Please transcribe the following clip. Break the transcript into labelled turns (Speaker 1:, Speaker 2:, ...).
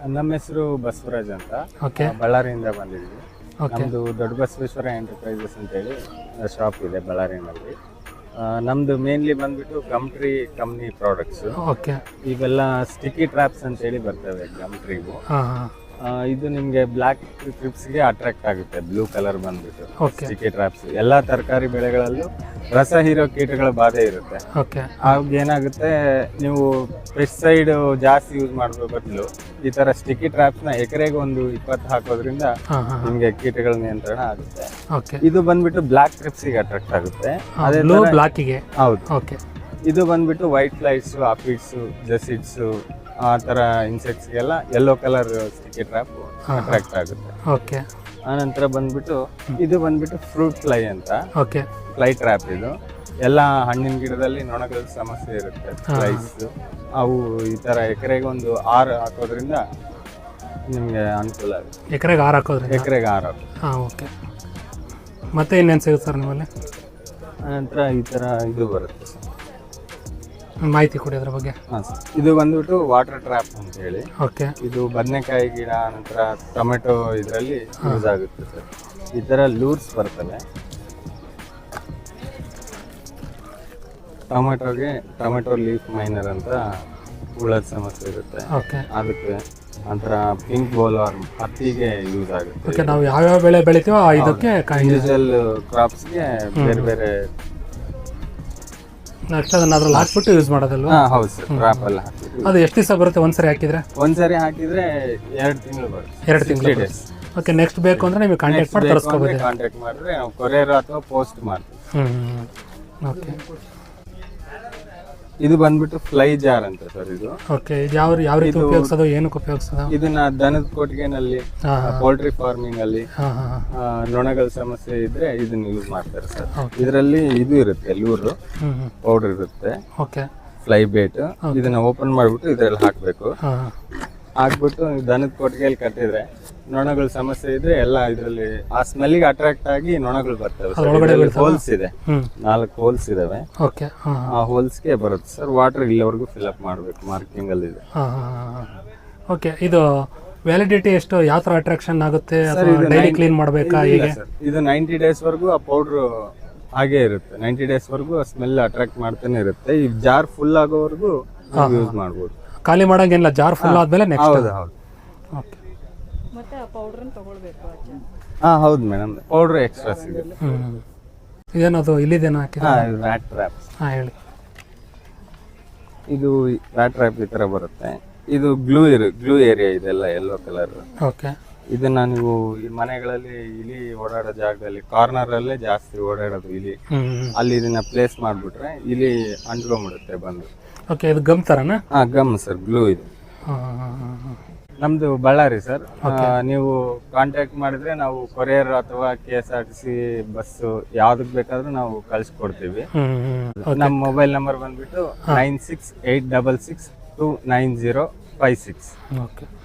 Speaker 1: ನಮ್ಮ ಹೆಸರು ಬಸವರಾಜ್ ಅಂತ.
Speaker 2: ಓಕೆ.
Speaker 1: ಬಳ್ಳಾರಿಯಿಂದ ಬಂದಿದ್ವಿ. ನಮ್ದು ದೊಡ್ಡ ಬಸವೇಶ್ವರ ಎಂಟರ್ಪ್ರೈಸಸ್ ಅಂತೇಳಿ ಶಾಪ್ ಇದೆ ಬಳ್ಳಾರಿನಲ್ಲಿ. ನಮ್ದು ಮೇನ್ಲಿ ಬಂದ್ಬಿಟ್ಟು ಗಮ್ಟ್ರಿ ಕಂಪ್ನಿ ಪ್ರಾಡಕ್ಟ್ಸ್.
Speaker 2: ಓಕೆ.
Speaker 1: ಇವೆಲ್ಲ ಸ್ಟಿಕ್ಕಿ ಟ್ರ್ಯಾಪ್ಸ್ ಅಂತೇಳಿ ಬರ್ತವೆ ಗಮ್ಟ್ರಿಗೂ.
Speaker 2: ಹಾಂ.
Speaker 1: ಇದು ನಿಮಗೆ ಬ್ಲ್ಯಾಕ್ ಟ್ರಿಪ್ಸ್ಗೆ ಅಟ್ರಾಕ್ಟ್ ಆಗುತ್ತೆ. ಬ್ಲೂ ಕಲರ್ ಬಂದ್ಬಿಟ್ಟು
Speaker 2: ಓಕೆ.
Speaker 1: ಸ್ಟಿಕ್ಕಿ ಟ್ರ್ಯಾಪ್ಸ್ ಎಲ್ಲಾ ತರಕಾರಿ ಬೆಳೆಗಳಲ್ಲೂ ರಸ ಹೀರೋ ಕೀಟಗಳ ಬಾಧೆ ಇರುತ್ತೆ.
Speaker 2: ಓಕೆ.
Speaker 1: ಆಗ ಏನಾಗುತ್ತೆ, ನೀವು ಪೆಸ್ಟಿಸೈಡ್ ಜಾಸ್ತಿ ಯೂಸ್ ಮಾಡೋ ಬದಲು ಈ ತರ ಸ್ಟಿಕ್ಕಿ ಟ್ರ್ಯಾಪ್ಸ್ ನ ಎಕರೆಗೆ ಒಂದು 20 ಹಾಕೋದ್ರಿಂದ ನಿಮ್ಗೆ ಕೀಟಗಳ ನಿಯಂತ್ರಣ ಆಗುತ್ತೆ.
Speaker 2: ಓಕೆ.
Speaker 1: ಇದು ಬಂದ್ಬಿಟ್ಟು ಬ್ಲ್ಯಾಕ್ ಟ್ರಿಪ್ಸ್ಗೆ ಅಟ್ರಾಕ್ಟ್ ಆಗುತ್ತೆ. ಅದೇ
Speaker 2: ಬ್ಲೂ ಬ್ಲಾಕಿಗೆ.
Speaker 1: ಹೌದು.
Speaker 2: ಓಕೆ.
Speaker 1: ಇದು ಬಂದ್ಬಿಟ್ಟು ವೈಟ್ ಫ್ಲೈಸ್, ಆಫಿಡ್ಸ್, ಜಸಿಡ್ಸ್ ಆ ತರ ಇನ್ಸೆಕ್ಟ್ಸ್ಗೆಲ್ಲ yellow colour sticky trap attract ಆಗುತ್ತೆ.
Speaker 2: ಓಕೆ.
Speaker 1: ಆನಂತರ ಬಂದ್ಬಿಟ್ಟು ಇದು ಬಂದ್ಬಿಟ್ಟು ಫ್ರೂಟ್ ಫ್ಲೈ ಅಂತ.
Speaker 2: ಓಕೆ.
Speaker 1: ಫ್ಲೈ ಟ್ರ್ಯಾಪ್ ಇದು. ಎಲ್ಲ ಹಣ್ಣಿನ ಗಿಡದಲ್ಲಿ ನೊಣಗಳ ಸಮಸ್ಯೆ ಇರುತ್ತೆ. ಫ್ಲೈಸ್ ಅವು ಈ ತರ ಎಕರೆಗೆ ಒಂದು 6 ಹಾಕೋದ್ರಿಂದ ನಿಮ್ಗೆ ಅನುಕೂಲ ಆಗುತ್ತೆ.
Speaker 2: ಎಕರೆಗೆ 6 ಹಾಕೋದ್ರಿ?
Speaker 1: ಎಕರೆಗೆ 6
Speaker 2: ಹಾಂ. ಓಕೆ. ಮತ್ತೆ ಇನ್ನೇನು ಸಿಗುತ್ತೆ ಸರ್ ನಿಮ್ಮಲ್ಲಿ?
Speaker 1: ಆನಂತರ ಈ ತರ ಇದು ಬರುತ್ತೆ ಸರ್.
Speaker 2: ಮಾಹಿತಿ ಕೊಡಿ ಅದ್ರ ಬಗ್ಗೆ.
Speaker 1: ಹಾಂ ಸರ್. ಇದು ಬಂದ್ಬಿಟ್ಟು ವಾಟರ್ ಟ್ರ್ಯಾಪ್ ಅಂತ ಹೇಳಿ.
Speaker 2: ಓಕೆ.
Speaker 1: ಇದು ಬದನೆಕಾಯಿ ಗಿಡ, ನಂತರ ಟೊಮೆಟೊ ಇದರಲ್ಲಿ ಯೂಸ್ ಆಗುತ್ತೆ ಸರ್. ಈ ತರ ಲೂರ್ಸ್ ಬರ್ತವೆ ಟೊಮೆಟೊ ಲೀಫ್ ಮೈನರ್ ಅಂತ ಹುಳದ ಸಮಸ್ಯೆ ಇರುತ್ತೆ.
Speaker 2: ಓಕೆ.
Speaker 1: ಅದಕ್ಕೆ ನಂತರ ಪಿಂಕ್ ಬೋಲ್ವರ್ಮ್ ಹತ್ತಿಗೆ ಯೂಸ್ ಆಗುತ್ತೆ.
Speaker 2: ಓಕೆ. ನಾವು ಯಾವ್ಯಾವ ಬೆಳೆ ಬೆಳಿತೀವೋ ಇದಕ್ಕೆ
Speaker 1: ಇಂಡಿವಿಜುವಲ್ ಕ್ರಾಪ್ಸ್ಗೆ ಬೇರೆ ಬೇರೆ
Speaker 2: ನೆಕ್ಸ್ಟ್ ಅದನ್ನ ಅದ್ರಲ್ಲಿ ಹಾಕ್ಬಿಟ್ಟು ಯೂಸ್ ಮಾಡೋದಲ್ವಾ?
Speaker 1: ಹೌದು ಸರ್. ಟ್ರ್ಯಾಪ್ ಎಲ್ಲ ಹಾಕಿದ್ವಿ.
Speaker 2: ಅದು ಎಷ್ಟು ದಿವಸ ಬರುತ್ತೆ ಒಂದ್ಸರಿ ಹಾಕಿದ್ರೆ?
Speaker 1: ಒಂದ್ಸರಿ ಹಾಕಿದ್ರೆ 2 ತಿಂಗಳು ಬರುತ್ತೆ.
Speaker 2: 2 ತಿಂಗಳು ಡೇಸ್. ಓಕೆ. ನೆಕ್ಸ್ಟ್ ಬೇಕು ಅಂದ್ರೆ ನೀವು ಕಾಂಟ್ಯಾಕ್ಟ್ ಮಾಡಿ ತರಿಸ್ಕೋಬೋದು.
Speaker 1: ಕಾಂಟ್ಯಾಕ್ಟ್ ಮಾಡಿದ್ರೆ ನಾವು ಕೊರಿಯರ್ ಅಥವಾ ಪೋಸ್ಟ್ ಮಾಡ್ತೀವಿ.
Speaker 2: ಓಕೆ.
Speaker 1: ಇದು ಬಂದ್ಬಿಟ್ಟು ಫ್ಲೈ ಜಾರ್ ಅಂತ ಸರ್ ಇದು.
Speaker 2: ಓಕೆ. ಇದು ಯಾವ ರೀತಿ ಉಪಯೋಗಿಸೋದು, ಏನಕ್ಕೆ ಉಪಯೋಗಿಸೋದು?
Speaker 1: ಇದನ್ನ ದನದ ಕೊಟ್ಟಿಗೆನಲ್ಲಿ, ಪೋಲ್ಟ್ರಿ ಫಾರ್ಮಿಂಗ್ ಅಲ್ಲಿ ನೊಣಗಳ ಸಮಸ್ಯೆ ಇದ್ರೆ ಇದನ್ನ ಯೂಸ್ ಮಾಡ್ತಾರೆ ಸರ್. ಇದರಲ್ಲಿ ಇದು ಇರುತ್ತೆ, ಲೂರು ಪೌಡರ್ ಇರುತ್ತೆ.
Speaker 2: ಓಕೆ.
Speaker 1: Fly bait. ಇದನ್ನ ಓಪನ್ ಮಾಡ್ಬಿಟ್ಟು ಇದ್ರಲ್ಲಿ ಹಾಕ್ಬೇಕು. ಹಾಕ್ಬಿಟ್ಟು ದನದ ಕೊಟ್ಟಿಗೆಯಲ್ಲಿ ಕಟ್ಟಿದ್ರೆ ನೊಣಗಳ ಸಮಸ್ಯೆ ಇದ್ರೆ ಎಲ್ಲ ಇದರಲ್ಲಿ ಆ ಸ್ಮೆಲ್ಗೆ ಅಟ್ರಾಕ್ಟ್ ಆಗಿ ನೊಣಗಳು ಬರ್ತವೆ. ಹೋಲ್ಸ್ ಇದೆ, 4 ಹೋಲ್ಸ್ ಇದಾವೆ.
Speaker 2: ಓಕೆ.
Speaker 1: ಆ ಹೋಲ್ಸ್ಗೆ ಬರುತ್ತೆ ಸರ್. ವಾಟರ್ ಇಲ್ಲಿವರೆಗೂ ಫಿಲ್ ಅಪ್ ಮಾಡಬೇಕು, ಮಾರ್ಕಿಂಗ್ ಅಲ್ಲಿ ಇದೆ.
Speaker 2: ಓಕೆ. ಇದು ವ್ಯಾಲಿಡಿಟಿ ಎಷ್ಟು, ಯಾವ ತರ ಅಟ್ರಾಕ್ಷನ್ ಆಗುತ್ತೆ? ಡೈಲಿ ಕ್ಲೀನ್ ಮಾಡಬೇಕಾ? ಹೇಗೆ?
Speaker 1: ಇದು 90 ಡೇಸ್ ವರೆಗೂ ಆ ಪೌಡರ್ ಹಾಗೆ ಇರುತ್ತೆ. 90 ಡೇಸ್ ವರೆಗೂ ಸ್ಮೆಲ್ ಅಟ್ರಾಕ್ಟ್ ಮಾಡ್ತಾನೆ ಇರುತ್ತೆ. ಈ ಜಾರ್ ಫುಲ್ ಆಗೋವರೆಗೂ ಯೂಸ್ ಮಾಡಬಹುದು.
Speaker 2: ಖಾಲಿ ಮಾಡಂಗಿಲ್ಲ, ಜಾರ್ ಫುಲ್ ಆದ್ಮೇಲೆ ನೆಕ್ಸ್ಟ್?
Speaker 1: ಹೌದು ಹೌದು.
Speaker 2: ಓಕೆ.
Speaker 3: ಮತ್ತೆ ಆ ಪೌಡರ್ ತಗೊಳ್ಬೇಕು?
Speaker 1: ಹೌದು ಮೇಡಮ್, ಪೌಡರ್ ಎಕ್ಸ್ಟ್ರಾ ಸಿಗುತ್ತೆ.
Speaker 2: ಇದೇನದು ಇಲ್ಲಿದೇನೋ ಹಾಕಿದ್ರೆ?
Speaker 1: Rat trap.
Speaker 2: ಹೇಳಿ.
Speaker 1: ಇದು ರ್ಯಾಟ್ ಟ್ರ್ಯಾಪ್ ಈ ತರ ಬರುತ್ತೆ. ಇದು ಗ್ಲೂ ಏರಿಯಾ ಇದೆಲ್ಲ ಯೆಲ್ಲೋ ಕಲರ್.
Speaker 2: ಓಕೆ.
Speaker 1: ಇದನ್ನ ನೀವು ಈ ಮನೆಗಳಲ್ಲಿ ಇಲಿ ಓಡಾಡೋ ಜಾಗದಲ್ಲಿ ಕಾರ್ನರ್ ಅಲ್ಲೇ ಜಾಸ್ತಿ ಓಡಾಡೋದು ಇಲಿ, ಅಲ್ಲಿ ಇದನ್ನ ಪ್ಲೇಸ್ ಮಾಡ್ಬಿಟ್ರೆ ಇಲಿ ಅಂಟ್ಕೊಂಡ್ಬಿಡುತ್ತೆ ಬಂದು.
Speaker 2: ಓಕೆ. ಇದು ಗಮ್ ತರನಾ?
Speaker 1: ಗಮ್ ಸರ್, ಗ್ಲೂ ಇದು. ನಮ್ದು ಬಳ್ಳಾರಿ ಸರ್. ನೀವು ಕಾಂಟ್ಯಾಕ್ಟ್ ಮಾಡಿದ್ರೆ ನಾವು ಕೊರಿಯರ್ ಅಥವಾ KSRTC ಬಸ್ಸು ಯಾವ್ದಕ್ ಬೇಕಾದ್ರೂ ನಾವು ಕಳ್ಸಿಕೊಡ್ತೀವಿ. ನಮ್ಮ ಮೊಬೈಲ್ ನಂಬರ್ ಬಂದ್ಬಿಟ್ಟು 9686629056.
Speaker 2: ಓಕೆ.